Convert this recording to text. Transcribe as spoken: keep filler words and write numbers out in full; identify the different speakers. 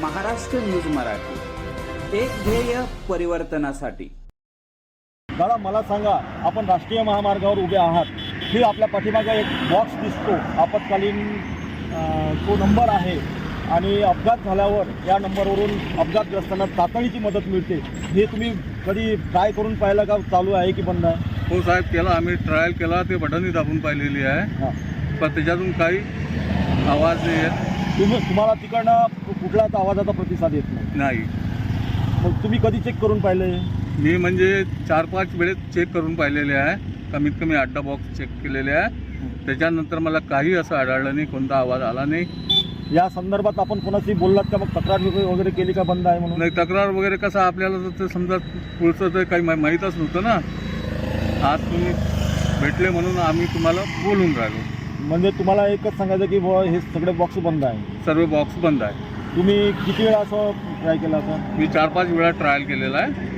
Speaker 1: Maharashtra news Marathi, एक ध्येय परिवर्तनासाठी।
Speaker 2: दादा मला सांगा, आपण राष्ट्रीय महामार्गावर उभे आहात, ही आपल्या पाठीमागे एक बॉक्स दिसतो, आपत्कालीन तो नंबर आहे आणि अपघात झाल्यावर या नंबरवरून अपघातग्रस्तांना तातडीची मदत मिळते। हे तुम्ही कधी ट्राय करून पाहिलं का? चालू आहे की बंद आहे?
Speaker 3: हो साहेब, केला आम्ही, ट्रायल केला, ते बटनही दाबून पाहिलेली आहे,
Speaker 2: हां,
Speaker 3: पण त्याच्यातून काही आवाज नाही येत।
Speaker 2: तुम्ही तुम्हाला तिकडनं कुठलाच आवाजाचा प्रतिसाद येत नाही?
Speaker 3: नाही।
Speaker 2: मग तुम्ही कधी चेक करून पाहिले?
Speaker 3: मी म्हणजे चार पाच वेळेस चेक करून पाहिलेले आहे, कमीत कमी अड्डा बॉक्स चेक केलेले आहे, त्याच्यानंतर मला काही असं आढळलं नाही, कोणता आवाज आला नाही।
Speaker 2: या संदर्भात आपण कोणाशी बोललात का? मग तक्रार वगैरे केली का बंद आहे म्हणून?
Speaker 3: नाही, तक्रार वगैरे कसं आपल्याला तर ते समजा पुढचं तर काही मा माहीतच नव्हतं ना, आज तुम्ही भेटले म्हणून आम्ही तुम्हाला बोलून राहिलो।
Speaker 2: म्हणजे तुम्हाला एकच सांगायचं की बुवा हे सगळे बॉक्स बंद आहे?
Speaker 3: सर्व बॉक्स बंद आहे।
Speaker 2: तुम्ही किती वेळा असं ट्राय केला असं?
Speaker 3: मी चार पाच वेळा ट्रायल केलेला आहे,